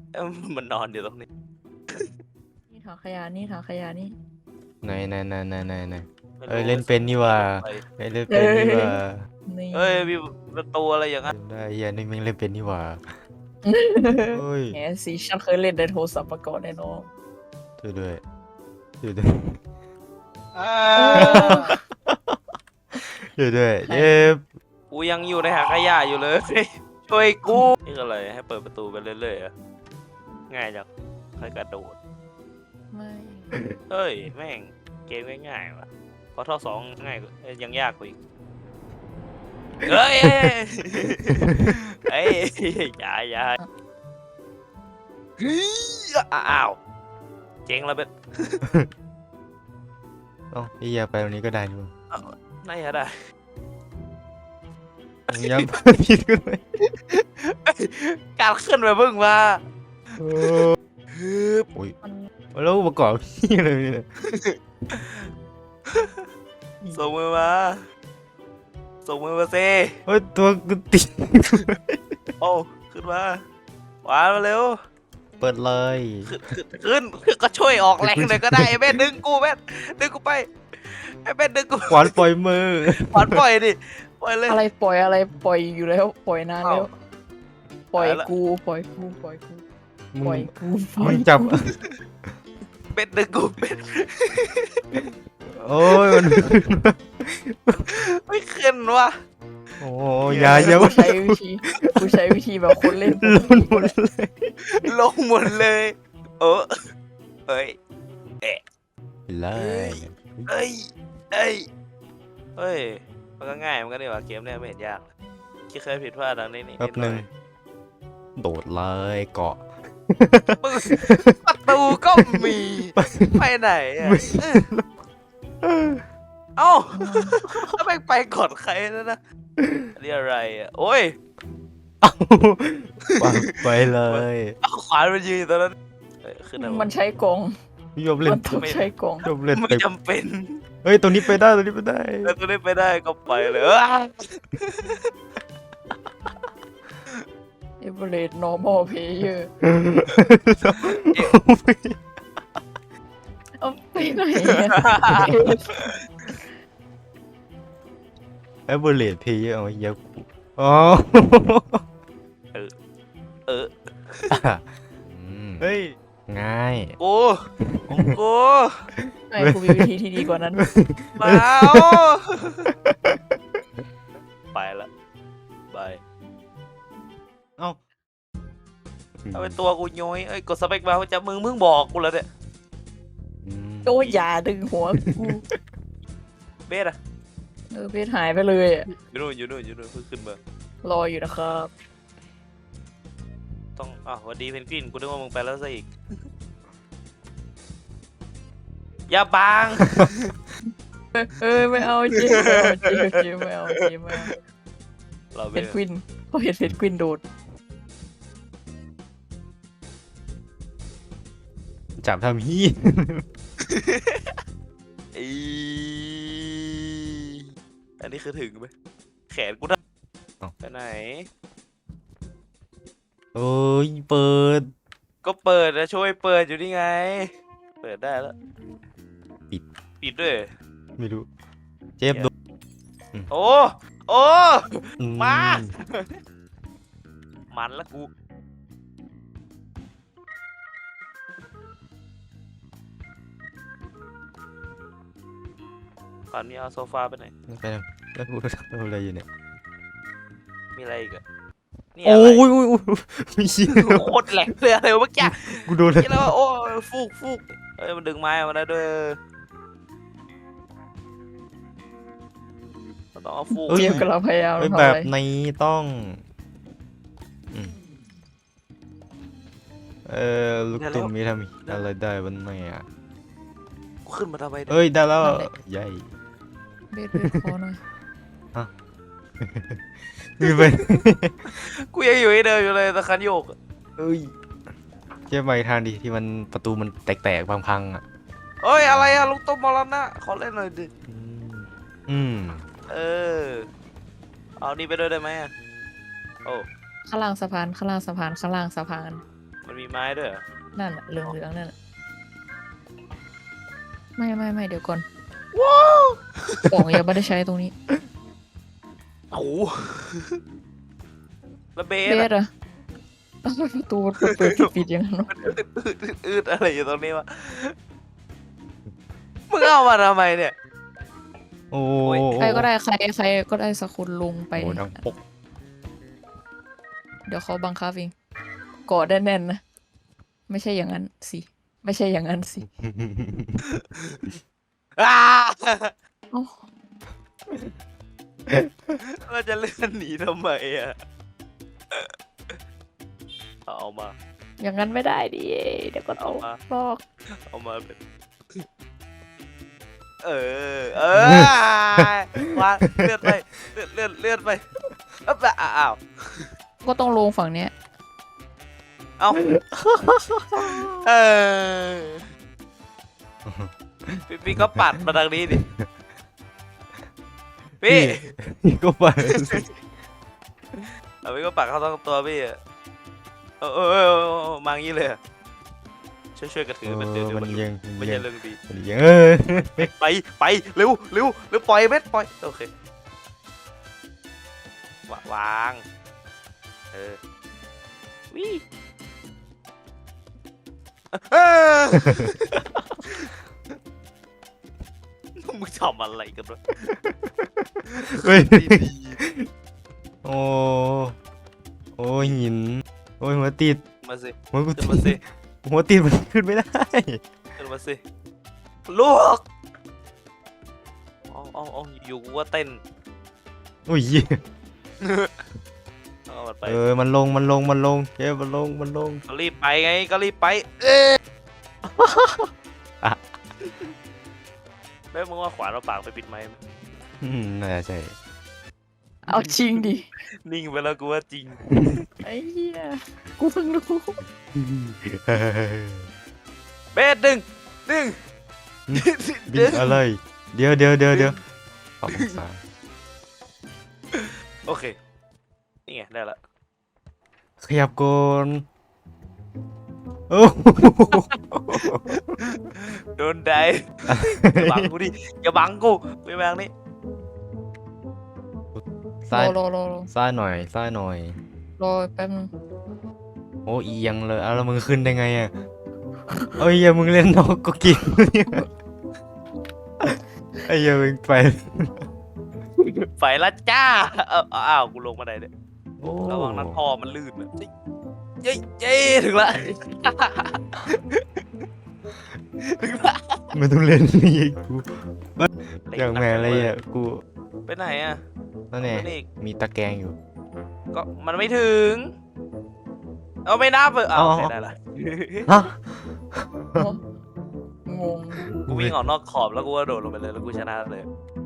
มันนอนอยู่ตรงนี้นี่ถังขยะนี่ถังขยะนี่ไหนไม่รู้เล่นเป็นนี่ว่าไปเล่นเป็นนี่ว่านี่เอ้ยมีประตูอะไรอย่างนั้นได้เฮียนี่มึงเล่นเป็นนี่ว่าเฮ้ยแหมสิฉันเคยเล่นในโทรศัพท์มาก่อนแน่นอนช่วยด้วย ช่วยด้วยเย็บกูยังอยู่ในหางขยะอยู่เลย ช่วยกูนี่คืออะไรให้เปิดประตูไปเรื่อยๆอะง่ายจังใครกระโดดไม่เฮ้ยแม่งเกมง่ายๆว่ะพอท่อสองง่ายกว่ายังยากกว่าอีกเฮ้ยเฮ้ยอย่าเฮ้ยอ้าวเจ๊งแล้วเบ็ดเอ้าเฮียไปตรงนี้ก็ได้นี่มั้งน่าจะได้มึงยังผิดกันไหมการขึ้นไปเพิ่งมาโอ้ฮึบโอ้ยมันแล้วอุปกรณ์พี่อะไรเนี่ยส่งมือมาส่งมือมาเซเฮ้ยตัวกูติดโอ้ขึ้นมาหวานมาเร็วเปิดเลยขึ้นก็ช่วยออกแรงเลยก็ได้ไอ้เบ็ดดึงกูเบ็ดดึงกูไปไอ้เบ็ดดึงกูขวานปล่อยมือหวานปล่อยดิปล่อยเลยอะไรปล่อยอะไรปล่อยอยู่แล้ว ปล่อยนานแล้วเอ้าปล่อยตายละกูปล่อยกูปล่อยกูมึปล่อยงกูปล่อมึยงจับเป็ดดึงกูเป็ดโอ้ยมันไม่ขึ้นวะโอ้ยอย่ากูใช้วิธีกูใช้วิธีแบบคนเล่นลุ้นหมดเลยลงหมดเลยเออเฮ้ยเลยเอ้ยเอ้ยเฮ้ยมันก็ง่ายมันก็ดีกว่าเกมเนี่ยไม่เห็นยากที่เคยผิดพลาดดังนี้นี่แป๊บหนึ่งโดดเลยเกาะมึงประตูก็มีไปไหนอ่ะเอ้าแล้วแม่งไปก่อนใครแล้วนะอันนี่อะไรอ่ะโอ้ยเอาวางไปเลยเอาขวานมายืนอยู่ตอนนั้นเอ้ยขึ้นได้มันใช้กองยอมเล่มัน นต้องใช้กองยอมเล่นไม่ไปจำเป็นเฮ้ยตรงนี้ไปได้ตรงนี้ไปได้แล้วตัวนี้ไปได้ก็ไปเลยเอเวอเรสต์ normal player เอาไปไหนอะแอปเบอร์เลดเพย์เอาเยอะกูอ๋อเออเฮ้ยง่ายกูไม่กูมีวิธีที่ดีกว่านั้นเปล่าไปละบายเอ้าเอาเป็นตัวกูย้อยเอ้ยกดสเปคมาจะมึงบอกกูแล้วเนี่ยโอ้ยอย่าดึงหัวกูเบสอะเพชรหายไปเลยอะอยู่นู่นเพิ่งขึ้นมารออยู่นะครับต้องอ้าวสวัสดีเพนกวินกูนึกว่ามึงไปแล้วซะอีกอย่าบังเอ้ยไม่เอาเจ๊ไม่เอาเจ๊ไม่เอาเจ๊ไม่เอาเราเพเป็นชรควินเขาเห็นเพชรควินโดดจับทำฮี้อีอันนี้คือถึงไหมแขนกูนะไปไหนโอ้ยเปิดก็เปิดนะช่วยเปิดอยู่นี่ไง เปิดได้แล้ว ปิดด้วยไม่รู้เจ็บโดนโอ้โอ้ มาอืมันละกูก่อนนี้เอาโซฟาไปไหนไปนะแล้วกูทำอะไรอยู่เนี่ยมีอะไรอีกอะนี่โอ้อะไรยมีเชี่ยโคตรแหลกเลยอะไรวะเมื่อกี้กูโดนนี่แล้วโอ้ยฟูกเอ้ยมันดึงไม้มาได้ด้วยเราต้องเอาฟูกเจ๊กำลังพยายามเฮ้ยทำแบอะบไรนี้ต้องอืมลูกตุ่มมีทำอะไรได้บ้างไหมอ่ะกูขึ้นมาทำไมเนี่ยเอ้ยได้แล้วใหญ่เบสคอหน่อยมีไปกูยังอยู่ที่เดิมอยู่เลยตะคันโยกอะเอ้ยเจ๊ไปทางดิที่มันประตูมันแตกๆพังๆอ่ะเอ้ยอะไรอะลูกต้มมรณะขอเล่นหน่อยดิอืมเออเอานี่ไปด้วยได้ไหมอะโอ้ข้างล่างสะพานข้างล่างสะพานข้างล่างสะพานมมันมีไม้ด้วยเหรอนั่นน่ะเหลืองๆนั่นน่ะไม่เดี๋ยวก่อนของยังไม่ได้ใช้ตรงนี้โอ้โหแล้วเบเบสสอะประตูมันเปิดปิดอย่างนั้นวะมันอืดอะไรอยู่ตรงนี้วะมึงเอามาทำไมเนี่ยโอ้ใครก็ได้ใครก็ได้สักคนลงไปโอ้ดังปกเดี๋ยวเขาบังคับเองกอดแน่นๆนะไม่ใช่อย่างนั้นสิไม่ใช่อย่างนั้นสิอ้าเอ้าเราจะเลื่อนหนีทำไมอ่ะเอามาอย่างนั้นไม่ได้ดิเดี๋ยวก็เอาเอามาลอกเอามาเป็นวางเลื่อนไปเลื่อนไปอ้าวก็ต้องลงฝั่งเนี้ยเอาเออพี่ก็ปัดมาทางนี้ดิพี่พี่ก็ไปเอาพี่ก็ปัดเข้าทั้งตัวพี่อะมางี้เลยอะช่วยกระถือมันเดี๋ยวมันมันยังไม่ใช่เรื่องดีมันยังไปเร็วปล่อยเม็ดปล่อยโอเควางวิมึงทำอะไรกันวะเฮ้ยโอ้หินโอ้ยหัวติดมาสิหัวกูขึ้นติมาสิดหัวติดมันขึ้นไม่ได้ขึ้นมาสิลูกเอาอยู่กูว่าเต้นโอ้ยเอามันไปมันลงเจ๊มันลงก็รีบไปไงก็รีบไปแม่มึงว่าขวานเราปากไปปิดไม้ไหมน่าจะใช่เอาจริงดินิ่งไปแล้วกูว่าจริงไอ้เหี้ยกูเพิ่งรู้เบสดึงบินอะไรเดี๋ยวปรับองศาโอเคนี่ไงได้ละขยับก่อนโอ้โดนได้อย่าบังกูดิอย่าบังกูไปแบงนี่รซ้ายอซ้ายหน่อยรอแป๊บนึงโอ้เอียงเลยแล้วมึงขึ้นได้ไงอ่ะเอ้ยอย่ามึงเล่นนกก็กินไอ้เหี้ยมึงไปไปละจ้าอ้าวกูลงมาได้เนี่ยโอ้ระวังนั้นท่อมันลื่นอะเย้ถึงละ ถึงละไม่ต้องเล่นนี่กูอย่างแม่อะไรอ่ะกูไปไหนอ่ะนั่นแน่นี่มีตะแกรงอยู่ก็มันไม่ถึงเอาไม่นับเอาเอาโอเคได้ละฮะงงกูวิ่งออกนอกขอบแล้วกูก็โดดลงไปเลยแล้วกูชนะเลย